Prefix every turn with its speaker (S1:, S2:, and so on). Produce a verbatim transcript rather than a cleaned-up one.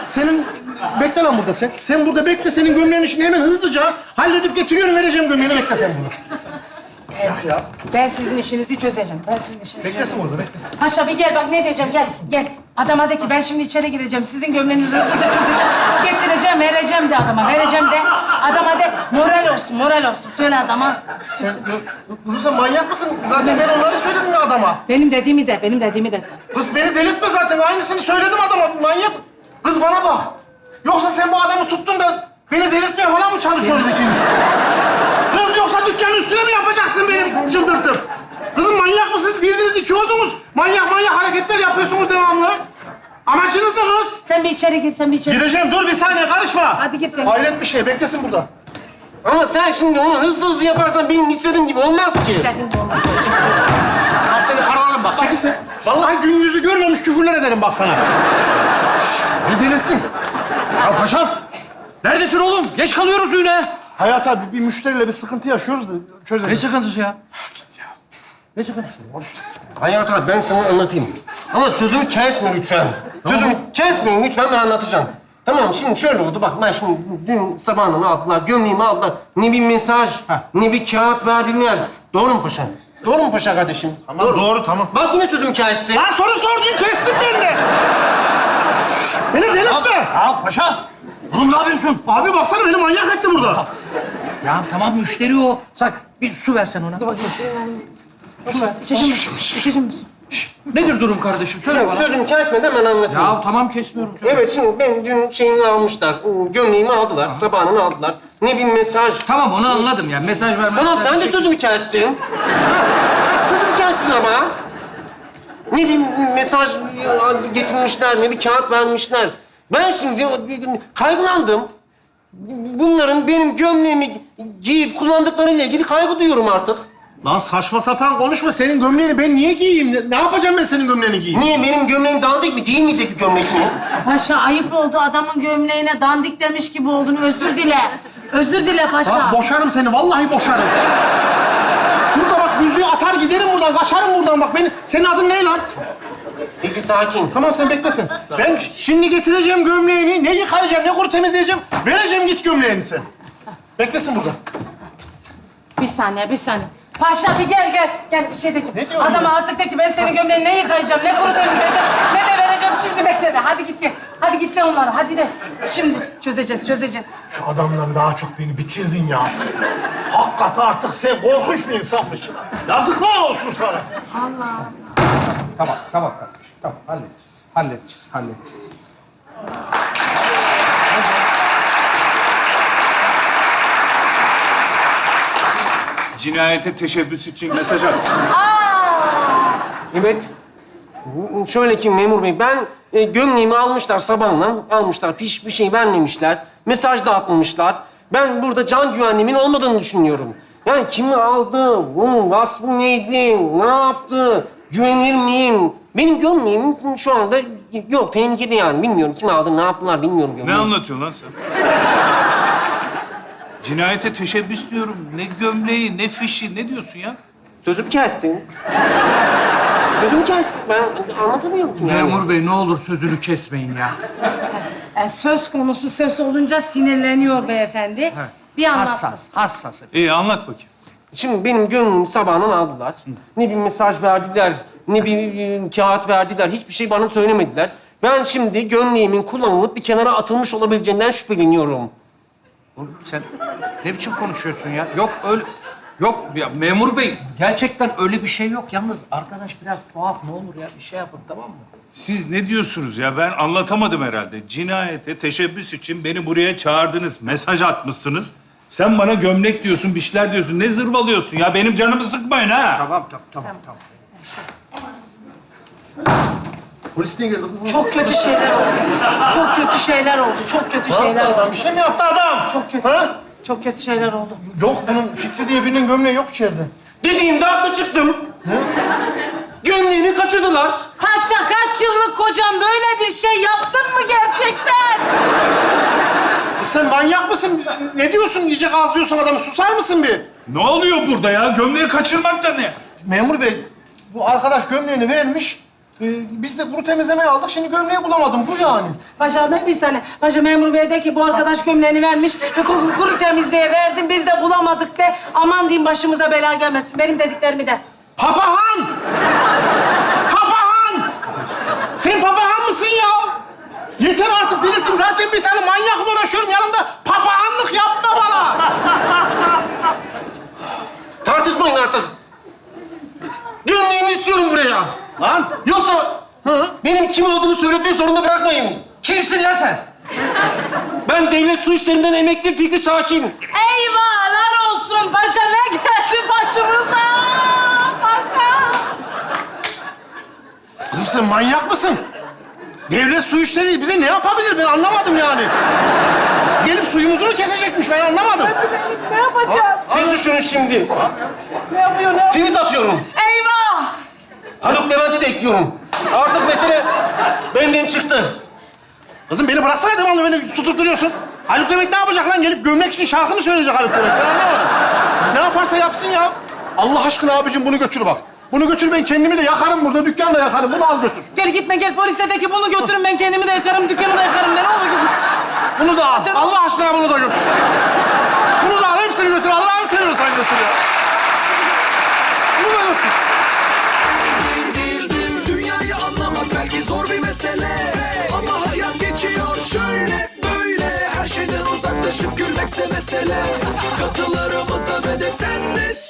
S1: Senin... Bekle lan burada sen. Sen burada bekle. Senin gömleğin işini hemen hızlıca halledip getiriyorum. Vereceğim gömleğini. Bekle sen burada. Yak ya.
S2: Ben sizin işinizi çözerim. Ben sizin işinizi
S1: Beklesin
S2: çözerim.
S1: orada, beklesin.
S2: Paşa bir gel bak ne diyeceğim gel gel. Adama de ki ben şimdi içeri gireceğim. Sizin gömleğinizi hızlıca çözeceğim. Getireceğim, vereceğim de adama. Vereceğim de adama de moral olsun, moral olsun. Söyle adama.
S1: Sen... Kızım sen manyak mısın? Zaten ben onları söyledim ya adama.
S2: Benim dediğimi de, benim dediğimi de.
S1: Kız beni delirtme zaten. Aynısını söyledim adama. Manyak. Kız bana bak. Yoksa sen bu adamı tuttun da beni delirtmeye falan mı çalışıyorsunuz ikiniz? Kız yoksa dükkanın üstüne mi yapacaksın benim çıldırtıp? Kızım manyak mısınız? Bildiğiniz iki oldunuz. Manyak manyak hareketler yapıyorsunuz devamlı. Amacınız ne kız?
S2: Sen bir içeri gir, sen bir içeri gir.
S1: Gireceğim. Dur bir saniye karışma.
S2: Hadi git sen.
S1: Hayret bir şey. Beklesin burada.
S3: Ama sen şimdi onu hızlı hızlı yaparsan benim istediğim gibi olmaz ki.
S2: İstediğin gibi olmaz.
S1: Bak seni paralarım bak. Çekilsin. Vallahi gün yüzü görmemiş küfürler ederim bak sana. Şşş, beni delirttin.
S4: Ya paşam, neredesin oğlum? Geç kalıyoruz düğüne.
S1: Hayat abi bir müşteriyle bir sıkıntı yaşıyoruz da çözelim.
S4: Ne sıkıntısı ya? Ne sıkıntısı?
S3: Hayat abi ben sana anlatayım. Ama sözümü kesme lütfen. Sözümü kesmeyin lütfen, ben anlatacağım. Tamam, şimdi şöyle oldu. Bak ben şimdi dün sabahından aldılar, gömleğimi aldılar. Ne bir mesaj, ne bir kağıt verdiler. Doğru mu paşam? Doğru mu paşa kardeşim?
S1: Tamam doğru, tamam.
S3: Bak yine sözümü kesti.
S1: Lan soru sordun kestin beni de. Şşş, beni delirtme.
S4: Ya paşa, oğlum ne yapıyorsun?
S1: Abi baksana beni manyak etti burada.
S4: Ya tamam müşteri o. Sak, bir su versen ona.
S2: Su ver, içeceğim misin? İçeceğim misin?
S4: Nedir durum kardeşim? Söyle bana.
S3: Sözümü kesmeden ben anlatayım.
S4: Ya tamam kesmiyorum. Söyle.
S3: Evet, şimdi ben dün şeyini almışlar, gömleğimi aldılar, sabahını aldılar. Ne bir mesaj.
S4: Tamam onu anladım ya. Mesaj vermem.
S3: Tamam, sen de sözümü kestin. Sözümü kestin ama. Ne bir mesaj getirmişler, ne bir kağıt vermişler. Ben şimdi kaygılandım. Bunların benim gömleğimi giyip kullandıklarıyla ilgili kaygı duyuyorum artık.
S1: Lan saçma sapan konuşma. Senin gömleğini ben niye giyeyim? Ne, ne yapacağım ben senin gömleğini giyeyim?
S3: Niye? Benim gömleğim dandik mi? Giyilmeyecek bir gömlek mi?
S2: Paşa ayıp oldu. Adamın gömleğine dandik demiş gibi oldun. Özür dile. Özür dile paşa.
S1: Bak boşarım seni. Vallahi boşarım. Şurada bak yüzüğü atar giderim buradan. Kaçarım buradan bak. Beni... Senin adın ne lan?
S3: Bir, bir sakin.
S1: Tamam sen beklesin. Ben şimdi getireceğim gömleğini. Ne yıkayacağım, ne kuru temizleyeceğim. Vereceğim git gömleğini sen. Beklesin burada.
S2: Bir saniye, bir saniye. Paşa bir gel gel. Gel bir şey de ki.
S1: Ne diyorsun
S2: Adama
S1: ya?
S2: artık de ki ben senin gömleğini ne yıkayacağım, ne kuru temizleyeceğim, ne de vereceğim şimdi bekle de. Hadi git gel. Hadi git de onlara. Hadi de. Şimdi çözeceğiz, çözeceğiz.
S1: Şu adamdan daha çok beni bitirdin ya sen. Hakikaten artık sen korkunç bir insanmışsın. Yazıklar olsun sana.
S2: Allah.
S4: Tamam, tamam kardeşim. Tamam, halledeceğiz. Halledeceğiz, halledeceğiz.
S5: Cinayete teşebbüs için mesaj atmışsınız.
S3: Evet. Şöyle ki memur bey, ben e, gömleğimi almışlar sabahla, almışlar, fiş bir şey vermemişler, mesaj da atmamışlar. Ben burada can güvenliğimin olmadığını düşünüyorum. Yani kimi aldı, bunun vasfı neydi, ne yaptı, güvenilir miyim? Benim gömleğim şu anda yok, tehlikede yani. Bilmiyorum kim aldı, ne yaptılar bilmiyorum
S5: Ne
S3: gömleğimi.
S5: anlatıyorsun lan sen? Cinayete teşebbüs diyorum. Ne gömleği, ne fişi, ne diyorsun ya?
S3: Sözümü kestin. Sözümü kestik, ben anlatamıyorum ki yani.
S4: Memur bey ne olur sözünü kesmeyin ya.
S2: E, söz konusu söz olunca sinirleniyor beyefendi. Bir anlat.
S4: Hassas, hassas.
S5: İyi anlat bakayım.
S3: Şimdi benim gönlümü sabahından aldılar. Ne bir mesaj verdiler, ne bir e, kağıt verdiler. Hiçbir şey bana söylemediler. Ben şimdi gömleğimin kullanılıp bir kenara atılmış olabileceğinden şüpheleniyorum.
S4: Oğlum sen ne biçim konuşuyorsun ya? Yok öyle... Yok ya memur bey gerçekten öyle bir şey yok. Yalnız arkadaş biraz tuhaf ne olur ya bir şey yapın tamam mı?
S5: Siz ne diyorsunuz ya? Ben anlatamadım herhalde. Cinayete teşebbüs için beni buraya çağırdınız. Mesaj atmışsınız. Sen bana gömlek diyorsun, bir şeyler diyorsun. Ne zırvalıyorsun ya? Benim canımı sıkmayın ha.
S4: Tamam tamam tamam tamam.
S1: Polis niye geldi?
S2: Çok kötü şeyler oldu. Çok kötü şeyler oldu. Çok kötü
S1: Ne
S2: şeyler
S1: yaptı adam?
S2: oldu.
S1: Bir şey mi yaptı adam?
S2: Çok kötü.
S1: Ha?
S2: Çok kötü şeyler oldu.
S1: Yok bunun Fikri diye birinin gömleği yok içeride.
S3: Dediğimde haklı çıktım. Gömleğini kaçırdılar.
S2: Paşa kaç yıllık kocam böyle bir şey yaptın mı gerçekten?
S1: E sen manyak mısın? Ne diyorsun? Yiyecek az diyorsun adamı. Susar mısın bir?
S5: Ne oluyor burada ya? Gömleği kaçırmak da ne?
S1: Memur bey, bu arkadaş gömleğini vermiş. Ee, biz de kuru temizlemeye aldık. Şimdi gömleği bulamadım. Bu yani.
S2: Paşa ben bir saniye. Paşa memur bey de ki bu arkadaş gömleğini vermiş ve kuru, kuru temizliğe verdim. Biz de bulamadık de aman diyeyim başımıza bela gelmesin. Benim dediklerimi de.
S1: Papahan! Papahan! Sen papahan mısın ya? Yeter artık delirttin. Zaten bir tane manyakla uğraşıyorum. Yanımda papahanlık yapma bana.
S3: Tartışmayın artık. Gömleğimi istiyorum buraya.
S1: Lan!
S3: Yoksa benim kim olduğumu söyletmek zorunda bırakmayın.
S4: Kimsin lan sen?
S3: Ben devlet su işlerinden emekli Fikri Sakin.
S2: Eyvahlar olsun. Paşa ne geldi başımıza? Paşa.
S1: Kızım sen manyak mısın? Devlet su işleri bize ne yapabilir ben anlamadım yani. Gelip suyumuzu mu kesecekmiş ben anlamadım.
S2: Ne yapacağım?
S3: Siz düşünün şimdi.
S2: Ne yapıyor, ne yapıyor?
S3: Tweet atıyorum.
S2: Eyvah!
S3: Haluk Levent'i de ekliyorum. Artık mesele benden çıktı.
S1: Kızım beni bıraksana devamlı beni tutup duruyorsun. Haluk Levent ne yapacak lan? Gelip gömlek için şarkı mı söyleyecek Haluk Levent? Ben anlamadım. Ne yaparsa yapsın ya. Allah aşkına abicim bunu götür bak. Bunu götür ben kendimi de yakarım burada, dükkanı da yakarım. Bunu al götür.
S2: Gel gitme gel polise de ki bunu götürün ben kendimi de yakarım, dükkanı da yakarım. Ne olur gitme.
S1: Bunu da al.
S2: Sen-
S1: Allah aşkına bunu da götür. Bunu da al, hepsini götür. Allah'ını seviyorsan götür ya. Bunu da götür.
S6: Dünyayı anlamak belki zor bir mesele, ama hayat geçiyor şöyle böyle. Her şeyden uzaklaşıp gülmekse mesele. Katılarımıza ve de sen de